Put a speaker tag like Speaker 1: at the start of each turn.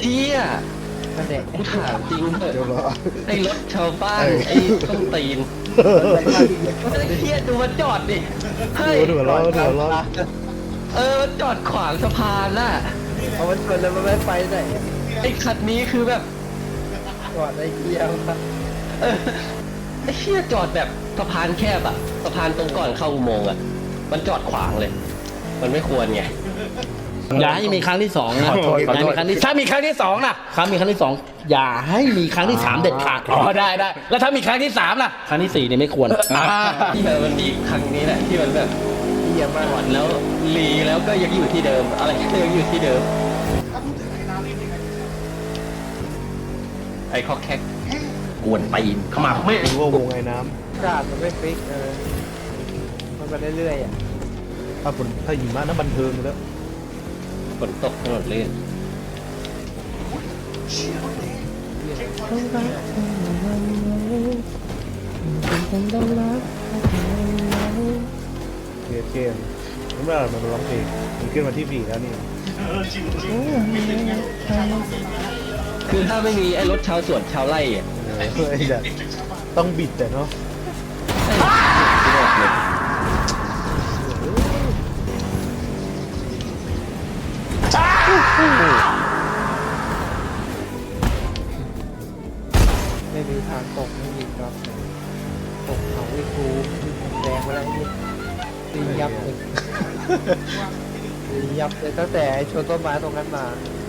Speaker 1: เฮีย
Speaker 2: นั่นแหละ
Speaker 1: กูถามจริงเถ
Speaker 3: เดี๋ยว
Speaker 1: อะ
Speaker 3: รอ
Speaker 1: ไอ้รถชาวบ้านไอ้ต้นตีนไอ้เฮียดูมันจอดดิเฮ้ย
Speaker 3: เดี๋ยวรอรอ
Speaker 1: มันจอดขวางสะพานน่ะ
Speaker 2: เอามันชนแล้วมันไม่ไปไหน
Speaker 1: ไอ้คันนี้คือแบบ
Speaker 2: จอดไอ้เกียร์มา
Speaker 1: เออไอ้เฮียจอดแบบสะพานแคบอะสะพานตรงก่อนเข้าอุโมงค์อะมันจอดขวางเลย มันไม่ควรไง
Speaker 4: อย่าให้มีครั้งที่สองนะอย่าให้มีครั้งที่ถ้ามีครั้งที่สองนะครั้งมีครั้งที่สองอย่าให้มีครั้งที่สามเด็ดขาดอ๋อได้แล้วถ้ามีครั้งที่สามล่ะครั้งที่สี่เนี่ยไม่ควร
Speaker 1: ที่มันมีครั้งนี้แหละที่มันแบบ
Speaker 2: เกียร์มา
Speaker 1: จอดแล้วรีแล้วก็ยังอยู่ที่เดิม อะไรก็ยังอยู่ที่เดิม ไอ้คอกแคกกวนตีนเข้ามาไม่
Speaker 3: รู้ว่าวงไอ้น้
Speaker 2: กาดมันไม่ฟิกมันไปเรื่อยๆอ่ะ
Speaker 3: ำถ้าหิมะน้ำบันเทิงอยู่แล้ว
Speaker 1: ฝนตกถนนลื่น
Speaker 3: เกมน้ำมันมันร้องเพลงมันขึ้นมาที่4แล้วนี่
Speaker 1: คือถ้าไม่มีไอ้รถชาวสวนชาวไร่อะ
Speaker 3: ไอ้จะต้องบิดแต่เนาะ
Speaker 1: ที่บอกเลย
Speaker 2: ไม่มีทางตกไม่มีครับตกเขาวิทูแดงไปแล้วนี่ตียับเลยตียับเลยตั้งแต่ชนต้นไม้ตรงนั้นมา